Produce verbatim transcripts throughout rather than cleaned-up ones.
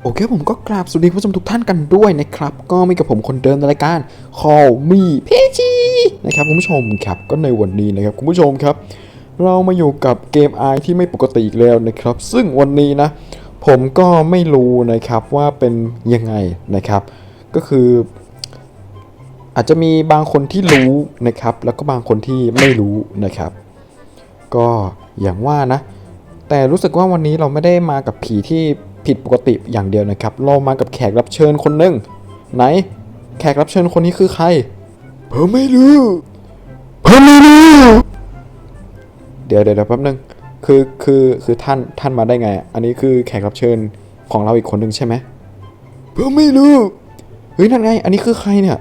โอเคผมก็กราบสวัสดีผู้ชมทุกท่านกันด้วยนะครับก็มีกับผมคนเดิมในรายการ Call Me เพจีนะครับคุณผู้ชมครับก็ในวันนี้นะครับคุณผู้ชมครับเรามาอยู่กับเกม i ที่ไม่ปกติอีกแล้วนะครับซึ่งวันนี้นะผมก็ไม่รู้นะครับว่าเป็นยังไงนะครับก็คืออาจจะมีบางคนที่รู้นะครับแล้วก็บางคนที่ไม่รู้นะครับก็อย่างว่านะแต่รู้สึกว่าวันนี้เราไม่ได้มากับผีที่ผิดปกติอย่างเดียวนะครับเรามากับแขกรับเชิญคนหนึ่งไหนแขกรับเชิญคนนี้คือใครผมไม่รู้ผมไม่รู้เดี๋ยวเดี๋ยวแป๊บนึงคือคือคือท่านท่านมาได้ไงอันนี้คือแขกรับเชิญของเราอีกคนหนึ่งใช่ไหมผมไม่รู้เฮ้ยนั่นไงอันนี้คือใครเนี่ย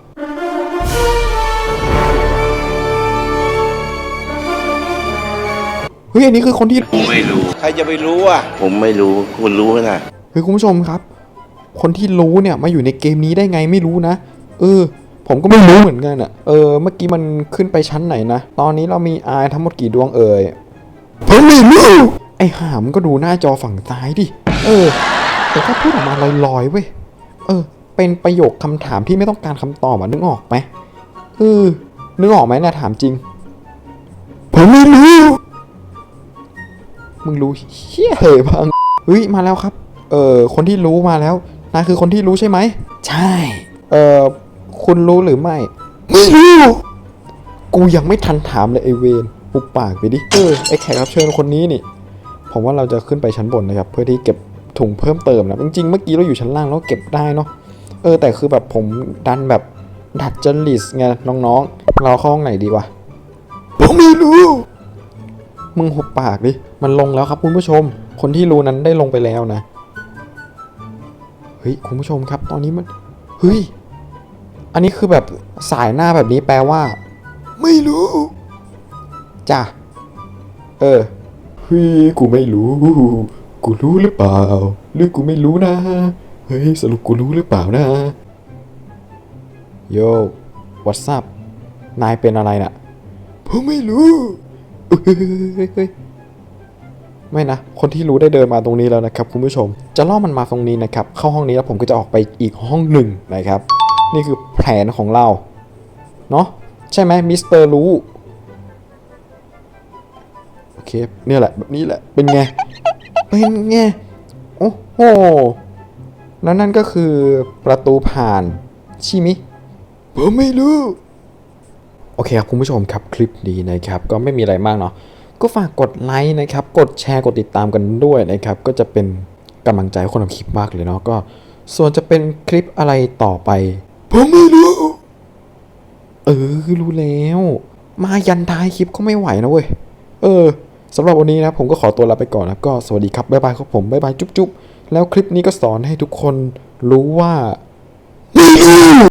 เฮ้ยอันนี้คือคนที่ผมไม่รู้ใครจะไปรู้อ่ะผมไม่รู้คุณรู้นะเฮ้ยคุณผู้ชมครับคนที่รู้เนี่ยมาอยู่ในเกมนี้ได้ไงไม่รู้นะเออผมก็ไม่รู้เหมือนกันอ่ะเออเมื่อกี้มันขึ้นไปชั้นไหนนะตอนนี้เรามีอายทั้งหมดกี่ดวงเอ่ยผมไม่รู้ไอ้หามก็ดูหน้าจอฝั่งซ้ายดิเออแต่ถ้าพูดออกมาลอยๆเว้ยเออเป็นประโยคคำถามที่ไม่ต้องการคำตอบอ่ะนึกออกไหมเออนึกออกไหมนะถามจริงผมไม่รู้มึงรู้เฮี้ยเหยพังเฮ้ยมาแล้วครับเออคนที่รู้มาแล้วนายคือคนที่รู้ใช่ไหมใช่เออคุณรู้หรือไม่ไม่รู้กูยังไม่ทันถามเลยไอเวนปุบปากไปดิเออไอแขกรับเชิญคนนี้นี่ผมว่าเราจะขึ้นไปชั้นบนนะครับเพื่อที่เก็บถุงเพิ่มเติมนะจริงๆเมื่อกี้เราอยู่ชั้นล่างแล้วเก็บได้เนาะเออแต่คือแบบผมดันแบบดัดจริตไงน้องๆเราเข้าห้องไหนดีวะผมไม่รู้มึงหุบปากดิมันลงแล้วครับคุณผู้ชมคนที่รู้นั้นได้ลงไปแล้วนะเฮ้ยคุณผู้ชมครับตอนนี้มันเฮ้ยอันนี้คือแบบสายหน้าแบบนี้แปลว่าไม่รู้จ้ะเออเฮ้ยกูไม่รู้กูรู้หรือเปล่าหรือกูไม่รู้นะเฮ้ยสรุปกูรู้หรือเปล่านะโย่ what's up นายเป็นอะไรน่ะผมไม่รู้เฮ้ยไม่นะคนที่รู้ได้เดินมาตรงนี้แล้วนะครับคุณผู้ชมจะล่อมันมาตรงนี้นะครับเข้าห้องนี้แล้วผมก็จะออกไปอีกห้องหนึ่งนะครับนี่คือแผนของเราเนาะใช่ไหมมิสเตอร์รู้โอเคเนี่ยแหละแบบนี้แหละเป็นไงเป็นไงโอ้โหนั่นนั่นก็คือประตูผ่านใช่ไหมผมไม่รู้โอเคครับคุณผู้ชมครับคลิปนี้นะครับก็ไม่มีอะไรมากเนาะก็ฝากกดไลค์นะครับกดแชร์กดติดตามกันด้วยนะครับก็จะเป็นกำลังใจให้คนทำคลิปมากเลยเนาะก็ส่วนจะเป็นคลิปอะไรต่อไปผมไม่รู้เออรู้แล้วมายันท้ายคลิปก็ไม่ไหวนะเว้ยเออสำหรับวันนี้นะผมก็ขอตัวลาไปก่อนนะก็สวัสดีครับบ๊ายบายครับผมบ๊ายบายจุ๊บๆแล้วคลิปนี้ก็สอนให้ทุกคนรู้ว่าไม่รู้